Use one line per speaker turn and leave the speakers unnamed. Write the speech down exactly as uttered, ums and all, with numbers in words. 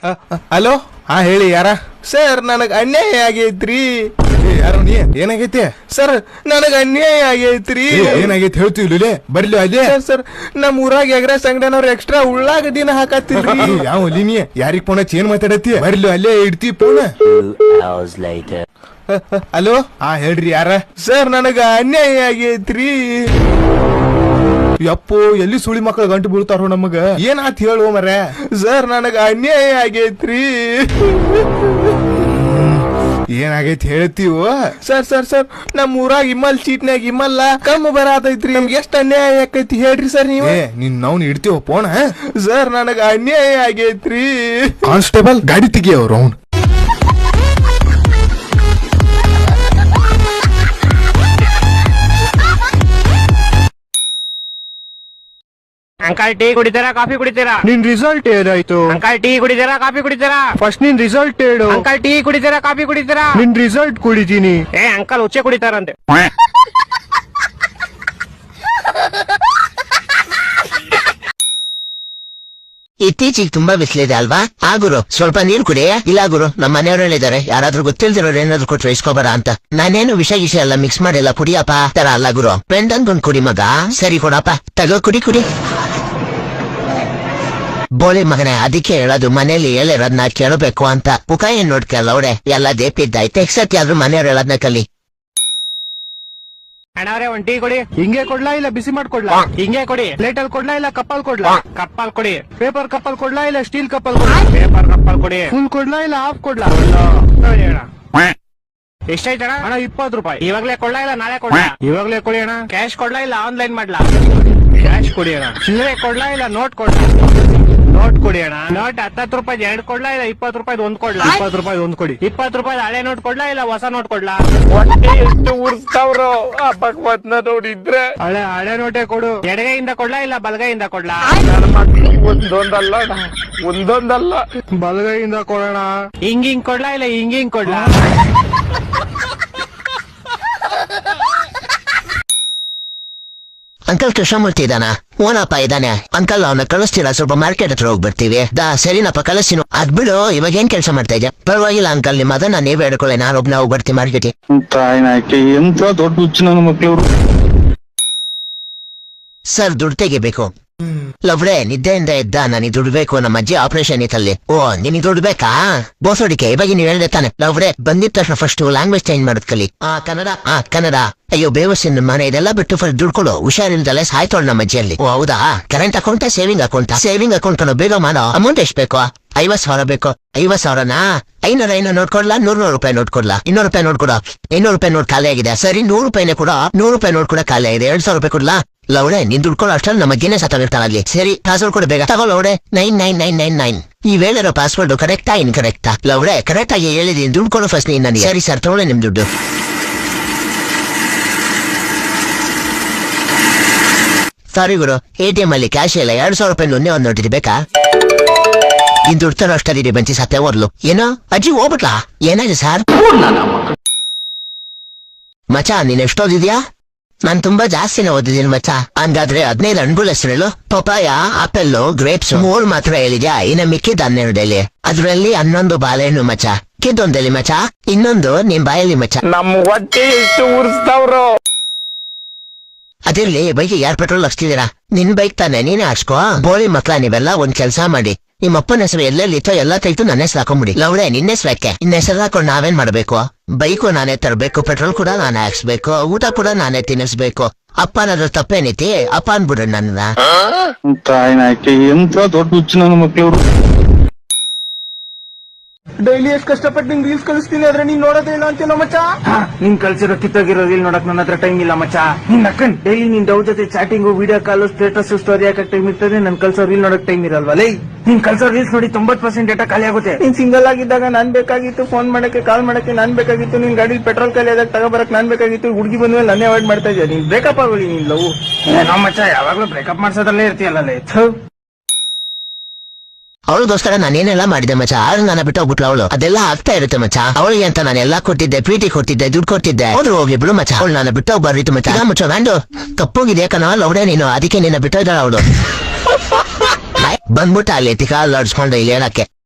Hello, ಹಾ ಹೇಳಿ ಯಾರ? ಸರ್ ನನಗೆ ಅನ್ಯಾಯ ಆಗೈತ್ರಿ. ಯಾರು ನೀ? ಏನಾಗೈತಿ ಸರ್? ನನಗೆ ಅನ್ಯಾಯ ಆಗೈತ್ರಿ. ಏನಾಗೈತಿ ಹೇಳ್ತೀವಿ ಬರ್ಲಿ ಅದೇ. ಸರ್ ನಮ್ಮ ಊರಾಗ ಎಗ್ರೆಸ್ ಅಂಗಡಿನವ್ರು ಎಕ್ಸ್ಟ್ರಾ ಉಳ್ಳಾಗಡ್ಡಿನ ಹಾಕತ್ತಿಲ್ರಿ. ಯಾವ ನೀ ಯಾರಿಗ್ ಫೋನ್ ಹಚ್ಚಿ ಏನ್ ಮಾತಾಡತ್ತಿ? ಬರ್ಲಿ ಅಲ್ಲೇ ಇಡ್ತಿ ಫೋನ್. ಹಲೋ, ಹಾ ಹೇಳ್ರಿ ಯಾರ? ಸರ್ ನನಗ ಅನ್ಯಾಯ ಆಗೈತ್ರಿ. ಯಪ್ಪೋ, ಎಲ್ಲಿ ಸುಳಿ ಮಕ್ಕಳು ಗಂಟು ಬೀಳ್ತಾರೋ ನಮಗ. ಏನಾತ್ ಹೇಳು ಮರ? ಸರ್ ನನಗ ಅನ್ಯಾಯ ಆಗೈತ್ರಿ. ಏನಾಗೈತಿ ಹೇಳ್ತೀವ? ಸರ್ ಸರ್ ಸರ್ ನಮ್ ಊರಾಗ ಇಮ್ಮಲ್ ಚೀಟ್ನಾಗ ಇಮ್ಮಲ್ಲ ಕಮ್ಮಿ ಬರತೈತ್ರಿ. ನಮ್ಗೆ ಎಷ್ಟ್ ಅನ್ಯಾಯ ಆಕೈತಿ ಹೇಳ್ರಿ ಸರ್ ನೀವು. ನಿನ್ ನಾವು ಇಡ್ತೀವ ಫೋನ್. ಸರ್ ನನಗ ಅನ್ಯಾಯ ಆಗೈತ್ರಿ. ಕಾನ್ಸ್ಟೇಬಲ್ ಗಾಡಿ ತೆಗಿಯವ್ರು ಅವ್ನು.
ಅಂಕಲ್ ಟೀ ಕುಡಿತೀರಾ ಕಾಫಿ ಕುಡಿತೀರಾ?
ನಿನ್ ರಿಸಲ್ಟ್ ಏನಾಯ್ತು?
ಅಂಕಲ್ ಟೀ ಕುಡಿತೀರಾ ಕಾಫಿ ಕುಡಿತೀರಾ?
ಫಸ್ಟ್ ನಿನ್ ರಿಸಲ್ಟ್ ಹೇಳು.
ಅಂಕಲ್ ಟೀ ಕುಡಿತೀರಾ ಕಾಫಿ ಕುಡಿತೀರಾ?
ನಿನ್ ರಿಸಲ್ಟ್ ಕುಡಿತೀನಿ.
ಏ ಅಂಕಲ್ ಉಚ್ಚೆ ಕುಡಿತಾರಂತೆ.
ಇತ್ತೀಚಿಗೆ ತುಂಬಾ ಬಿಸಿಲಿದೆ ಅಲ್ವಾ? ಆ ಗುರು ಸ್ವಲ್ಪ ನೀರ್ ಕುಡಿ. ಇಲ್ಲ ಗುರು, ನಮ್ಮ ಮನೆಯವರಲ್ಲಿದ್ದಾರೆ, ಯಾರಾದ್ರೂ ಗೊತ್ತಿಲ್ದಿರೋರು ಏನಾದ್ರು ಕೊಟ್ರು ಇಸ್ಕೊಬಾರ ಅಂತ. ನಾನೇನು ವಿಷ ಗಿಷ ಎಲ್ಲ ಮಿಕ್ಸ್ ಮಾಡಿಲ್ಲ, ಕುಡಿಯಪ್ಪ ತರ ಅಲ್ಲ ಗುರು. ಫ್ರೆಂಡ್ ಅನ್ಕೊಂಡ್ ಕುಡಿ ಮಗ. ಸರಿ ಕೊಡಪ್ಪ, ತಗೋ ಕುಡಿ ಕುಡಿ. ಬೋಳಿ ಮಗನೇ, ಅದಕ್ಕೆ ಹೇಳೋದು ಮನೇಲಿ ಹೇಳಿರೋದ್ನ ಕೇಳಬೇಕು ಅಂತ. ಮುಖ ಏನ್ ನೋಡ್ಕಲ್ಲ ಅವಡೆ, ಎಲ್ಲ ದೇಪಿದ್ದಾಯ್ತು. ಎಕ್ಸೆಪ್ಟ್ ಯಾವ್ದು ಮನೆಯವ್ರು ಹೇಳೋದ್ನ ಕಲಿ.
ಅಣ್ಣವ್ರೆ ಒಂದ್ ಟೀ ಕೊಡಿ.
ಹಿಂಗೆ ಕೊಡ್ಲಾ ಇಲ್ಲ ಬಿಸಿ ಮಾಡ್ಕೊಡ್ಲಾ?
ಹಿಂಗೆ ಕೊಡಿ.
ಪ್ಲೇಟ್ ಅಲ್ಲಿ ಕೊಡ್ಲಾ ಇಲ್ಲ ಕಪ್ಪಲ್ ಕೊಡ್ಲಾ?
ಕಪ್ಪಲ್ ಕೊಡಿ.
ಪೇಪರ್ ಕಪ್ಪಲ್ ಕೊಡ್ಲಾ ಇಲ್ಲ ಸ್ಟೀಲ್ ಕಪ್ಪಲ್ ಕೊಡ್ಲಾ?
ಪೇಪರ್ ಕಪ್ಪಲ್ ಕೊಡಿ.
ಫುಲ್ ಕೊಡ್ಲಾ ಇಲ್ಲ ಹಾಫ್ ಕೊಡ್ಲಾ?
ನೋಡಿ ಅಣ್ಣ. ಎಷ್ಟಾಯ್ತಣ?
ಅಣ್ಣ ಇಪ್ಪತ್ತು ರೂಪಾಯಿ.
ಇವಾಗ್ಲೇ ಕೊಡ್ಲಾ ಇಲ್ಲ ನಾಳೆ ಕೊಡ್ಲಾ? ಇವಾಗ್ಲೇ ಕೊಡಿ ಅಣ್ಣ. ಕ್ಯಾಶ್ ಕೊಡ್ಲಾ ಇಲ್ಲ ಆನ್ಲೈನ್ ಮಾಡ್ಲಾ? ಕ್ಯಾಶ್ ಕೊಡಿ ಅಣ್ಣ. ಚಿಲ್ಲರೆ ಕೊಡ್ಲಾ ಇಲ್ಲ ನೋಟ್ ಕೊಡ್ಲಾ? ನೋಟ್ ಕೊಡಿ ಅಣ್ಣ. ನೋಟ್ ಹತ್ತತ್ತು ರೂಪಾಯಿ ಎರಡು ಕೊಡ್ಲಾ ಇಲ್ಲ ಇಪ್ಪತ್ತು ರೂಪಾಯಿ ಒಂದ್ ಕೊಡ್ಲಾ?
ಇಪ್ಪತ್ತು ರೂಪಾಯಿ ಒಂದ್ ಕೊಡಿ.
ಇಪ್ಪತ್ತು ರೂಪಾಯಿ ಹಳೆ ನೋಟ್ ಕೊಡ್ಲಾ ಇಲ್ಲ ಹೊಸ ನೋಟ್ ಕೊಡ್ಲಾ?
ಎಷ್ಟು ಉರ್ಸ್ತಾವ್ರು ಆ ಭಗವತ್ನ ನೋಡಿದ್ರೆ. ಹಳೆ ಹಳೆ ನೋಟೆ ಕೊಡು.
ಎಡಗೈಯಿಂದ ಕೊಡ್ಲಾ ಇಲ್ಲ ಬಲಗೈಯಿಂದ ಕೊಡ್ಲಾ?
ಒಂದೊಂದಲ್ಲ ಒಂದೊಂದಲ್ಲ ಬಲಗೈಯಿಂದ ಕೊಡೋಣ.
ಹಿಂಗ್ ಹಿಂಗ್ ಕೊಡ್ಲಾ ಇಲ್ಲ ಹಿಂಗ್ ಹಿಂಗ್ ಕೊಡ್ಲಾ?
ಅಂಕಲ್ ಕೃಷ್ಣಮೂರ್ತಿ ಇದಾನ? ಓನಪ್ಪ ಇದಾನೆ. ಅಂಕಲ್ ಅವನ ಕಳಿಸ್ತೀರಾ? ಸ್ವಲ್ಪ ಮಾರ್ಕೆಟ್ ಹತ್ರ ಹೋಗಿ ಬರ್ತೀವಿ. ದಾ ಸರಿನಪ್ಪ ಕಳಿಸ್ತೀನು. ಅದ್ ಬಿಡು, ಇವಾಗ ಏನ್ ಕೆಲಸ ಮಾಡ್ತಾ ಇದ್ಯಾ? ಪರವಾಗಿಲ್ಲ ಅಂಕಲ್, ನಿಮ್ಮ ಅದನ್ನ ನೀವೇ ಹೇಳ್ಕೊಳ್ಳಿ, ನಾನು ಒಬ್ನ ಹೋಗಿ ಬರ್ತೀನಿ ಮಾರ್ಕೆಟ್.
ತಾಯಿನಾಕೆ ಎಂತ ದೊಡ್ಡ ಹುಚ್ಚು ನನ್ನ ಮಕ್ಳವ್ರು.
ಸರ್ ದುಡ್ಡು ತೆಗಿಬೇಕು. ಲವ್ರೆ ನಿದ್ದೆಯಿಂದ ಎದ್ದ, ನನಗೆ ದುಡ್ಬೇಕು. ನಮ್ಮ ಅಜ್ಜಿ ಆಪರೇಷನ್ ಇತ್ತಲ್ಲಿ. ಓ ನಿನಗೆ ದುಡ್ಬೇಕಾ? ಬೋಸೋಡಿಕೆ ಇವಾಗ ನೀವು ಹೇಳ್ದೆ ತಾನೆ. ಲವ್ರೆ ಬಂದಿದ ತಕ್ಷಣ ಫಸ್ಟ್ ಲ್ಯಾಂಗ್ವೇಜ್ ಚೇಂಜ್ ಮಾಡೋದ್ ಕಲಿ. ಆ ಕನ್ನಡ ಆ ಕನ್ನಡ. ಅಯ್ಯೋ ಬೇವಸಿನ ಮನೆ ಇದೆಲ್ಲ ಬಿಟ್ಟು ಫಸ್ಟ್ ದುಡ್ಕೊಡು. ಹುಷಾರಿಲ್ದಲ್ಲೇ ಸಾಯ್ತೋಳು ನಮ್ಮ ಅಜ್ಜಿಯಲ್ಲಿ. ಓ ಹೌದಾ? Current account saving account? Saving account ಕಣೋ, ಬೇಗ ಮಾಡೋ. ಅಮೌಂಟ್ ಎಷ್ಟು ಬೇಕು? ಐವತ್ ಸಾವಿರ ಬೇಕು. ಐವತ್ ಸಾವಿರನಾ? ಐನೂರ ಐನೂರು ನೋಟ್ ಕೊಡ್ಲಾ? ನೂರ್ ನೂರು ರೂಪಾಯಿ ನೋಟ್ ಕೊಡ್ಲಾ? ಇನ್ನೂರು ರೂಪಾಯಿ ನೋಟ್ ಕೊಡ. ಇನ್ನೂರು ರೂಪಾಯಿ ನೋಟ್ ಖಾಲಿ ಆಗಿದೆ. ಸರಿ ನೂರು ರೂಪಾಯಿನೇ ಕೂಡ. ನೂರು ರೂಪಾಯಿ ನೋಟ್ ಕೂಡ ಖಾಲಿ ಆಗಿದೆ. ಎರಡ್ ಸಾವಿರ ರೂಪಾಯಿ ಕೊಡ್ಲಾ? ಲೌಡೆ ನೀನ್ ದುಡ್ಕೊಳ್ಳೋ ಅಷ್ಟ್ರಲ್ಲಿ ನಮ್ಮ ಗಿನ್ನೆ ಸತ್ತಾಗಿರ್ತಾನಲ್ಲಿ. ಸರಿ ಪಾಸ್ವರ್ಡ್ ಕೊಡು ಬೇಗ. ತಗೋ ಲೌಡೆ. Nine nine nine nine nine. ಈ ಹೇಳಿರೋ ಪಾಸ್ವರ್ಡ್ ಕರೆಕ್ಟಾ ಇನ್ ಕರೆಕ್ಟಾ? ಲೌಡೆ ಕರೆಕ್ಟ್ ಆಗಿ ಹೇಳಿದೀನಿ. ದುಡ್ಡು ಫಸ್ಟ್ ನೀನ್ ನನಗೆ. ಸರಿ ಸರ್ ತಗೊಳ್ಳಿ ನಿಮ್ ದುಡ್ಡು. ಸಾರಿ ಗುರು, ಎ ಟಿ ಎಂ ಅಲ್ಲಿ ಕ್ಯಾಶ್ ಇಲ್ಲ. ಎರಡ್ ಸಾವಿರ ರೂಪಾಯಿ ಒಂದೇ ಒಂದ್ ನೋಟಿದೆ ಬೇಕಾ? ಇನ್ ದುಡ್ಡು ತರೋ ಅಷ್ಟಲ್ಲಿ ಬಂಚಿ ಸತ್ತೆ ಓದ್ಲು. ಏನೋ ಅಜ್ಜಿ ಹೋಗ್ಬಿಟ್ಲಾ? ಏನಾಗಿದೆ ಸರ್? ಮಚಾ ನೀನ್ ಎಷ್ಟೋದಿದ್ಯಾ? ನಾನ್ ತುಂಬಾ ಜಾಸ್ತಿನೇ ಓದಿದ್ದೀನಿ ಮಚ್ಚ. ಹಂಗಾದ್ರೆ ಹದಿನೈದು ಹಣ್ಣುಗಳ ಹೆಸರು. ಪಪಾಯ, ಆಪಲ್, ಗ್ರೇಪ್ಸ್ ಮೂರ್ ಮಾತ್ರ ಹೇಳಿದ್ಯಾ? ಇನ್ನ ಮಿಕ್ಕಿದ ಹನ್ನೆರಡಲ್ಲಿ. ಅದ್ರಲ್ಲಿ ಹನ್ನೊಂದು ಬಾಳೆಹಣ್ಣು ಮಚ್ಚ. ಕಿದ್ದೊಂದಲ್ಲಿ ಮಚ್ಚ, ಇನ್ನೊಂದು ನಿಮ್ ಬಾಯಲ್ಲಿ ಮಚ್ಚ.
ನಮ್ ಹೊಟ್ಟೆ ಎಷ್ಟು ಉರ್ಸ್ತಾವ್ರು.
ಅದಿರ್ಲಿ, ಬೈಕ್ ಯಾರ್ ಪೆಟ್ರೋಲ್ ಹಾಕ್ಸ್ತಿದ್ದೀರಾ? ನಿನ್ ಬೈಕ್ ತಾನೆ, ನೀನೇ ಹಾಕ್ಸ್ಕೋ. ಬೋಳಿ ಮಕ್ಳ ನೀವೆಲ್ಲ ಒಂದ್ ಕೆಲ್ಸ ಮಾಡಿ, ನಿಮ್ಮ ಅಪ್ಪನ ಹೆಸರು ಎಲ್ಲೆಲ್ಲಿತ್ತೋ ಎಲ್ಲ ತೆಗೆದು ನನ್ನ ಹೆಸರು ಹಾಕೊಂಡ್ಬಿಡಿ. ಲವ್ಡೆ ನಿನ್ನ ಹೆಸರು ಯಾಕೆ? ನಿನ್ನ ಹೆಸರು ಹಾಕೊಂಡು ನಾವೇನ್ ಮಾಡ್ಬೇಕು? ಬೈಕು ನಾನೇ ತರಬೇಕು, ಪೆಟ್ರೋಲ್ ಕೂಡ ನಾನೇ ಹಾಕ್ಸ್ಬೇಕು, ಊಟ ಕೂಡ ನಾನೇ ತಿನ್ನಿಸ್ಬೇಕು. ಅಪ್ಪ ಅನ್ನೋದ್ರ ತಪ್ಪೇನೈತಿ? ಅಪ್ಪ ಅನ್ಬಿಡ್ರಿ ನನ್ನ.
ತಾಯಿನಾಕೆ ಎಂತ ದೊಡ್ಡ ಹುಚ್ಚು ನನ್ನ ಮಕ್ಳವ್ರು.
ಡೈಲಿ ಎಷ್ಟು ಕಷ್ಟಪಟ್ಟು ನಿಂಗೆ ರೀಲ್ಸ್ ಕಳಿಸ್ತೀನಿ, ಆದ್ರೆ ನೀನ್ ನೋಡೋದೇ ಇಲ್ಲ ಅಂತೀನೋ ಮಚ್ಚ.
ನಿನ್ ಕಲ್ಸಿರೋ ಕಿತ್ತೋಗಿರೋ ರೀಲ್ ನೋಡಕ್ ನನ್ನ ಹತ್ರ ಟೈಮ್ ಇಲ್ಲ ಮಚ್ಚ. ನಿನ್ ಅಕ್ಕನ್ ಡೈಲಿ ನಿನ್ ಡೌ ಜೊತೆ chatting, video call, status, story ಹಾಕಕ್ ಟೈಮ್ ಇರ್ತದೆ. ನನ್ ಕಲ್ಸೋ ರೀಲ್ ನೋಡಕ್ ಟೈಮ್ ಇರಲ್ವಾ? ಲೈ ನಿನ್ ಕಲ್ಸೋ ರೀಲ್ಸ್ ನೋಡಿ ತೊಂಬತ್ ಪರ್ಸೆಂಟ್ ಡೇಟಾ ಖಾಲಿ ಆಗುತ್ತೆ.
ನೀನ್ ಸಿಂಗಲ್ ಆಗಿದ್ದಾಗ ನಾನ್ ಬೇಕಾಗಿತ್ತು, ಫೋನ್ ಮಾಡಕ್ಕೆ ಕಾಲ್ ಮಾಡಕ್ಕೆ ನಾನ್ ಬೇಕಾಗಿತ್ತು, ನಿನ್ ಗಾಡಿ ಪೆಟ್ರೋಲ್ ಖಾಲಿ ಆದಾಗ ತಗೋಬರಕ್ ನಾನ್ ಬೇಕಾಗಿತ್ತು. ಹುಡುಗಿ ಬಂದ್ಮೇಲೆ ನಾನೇ ಅವಾಯ್ಡ್ ಮಾಡ್ತಾ ಇದ್ಯಾ. ನೀನ್ ಬ್ರೇಕಪ್ ಆಗೋಳಿ ನೀನ್ ಲವ್.
ಏನೋ ಮಚ್ಚ ಯಾವಾಗ್ಲೂ ಬ್ರೇಕಪ್ ಮಾಡ್ಸೋದ್ರಲ್ಲೇ ಇರ್ತೀಯಲ್ಲ.
ಅವಳಿಗೋಸ್ಕರ ನಾನೇನೆಲ್ಲ ಮಾಡಿದೆ ಮಚ್ಚ. ಆದ್ರೆ ನನ್ನ ಬಿಟ್ಟು ಹೋಗ್ಬಿಟ್ಲು ಅವಳು. ಅದೆಲ್ಲ ಆಗ್ತಾ ಇರುತ್ತೆ ಮಚ್ಚ. ಅವಳಿಗೆ ಅಂತ ನಾನು ಎಲ್ಲಾ ಕೊಟ್ಟಿದ್ದೆ, ಪ್ರೀತಿ ಕೊಟ್ಟಿದ್ದೆ, ದುಡ್ಡು ಕೊಟ್ಟಿದ್ದೆ. ಹೋದ್ರು ಹೋಗ್ಲಿ ಬಿಡು ಮಚ್ಚ. ಅವಳು ನನ್ನ ಬಿಟ್ಟು ಹೋಗ್ಬಾರ್ದಿತ್ತು ಮಚ್ಚ. ಮುಚ್ಚ ವ್ಯಾಂಡು ಕಪ್ಪೋಗಿದೆ ಕಣ ಲೌಡೆ ನೀನು, ಅದಕ್ಕೆ ನಿನ್ನ ಬಿಟ್ಟೋಯ್ದಾಳ ಅವಳು. ಬಂದ್ಬಿಟ್ಟ ಅಲ್ಲಿ ತಿಕಾಲ್ ಆಡ್ಸ್ಕೊಂಡು ಇಲ್ಲಿ ಹೇಳಕ್ಕೆ.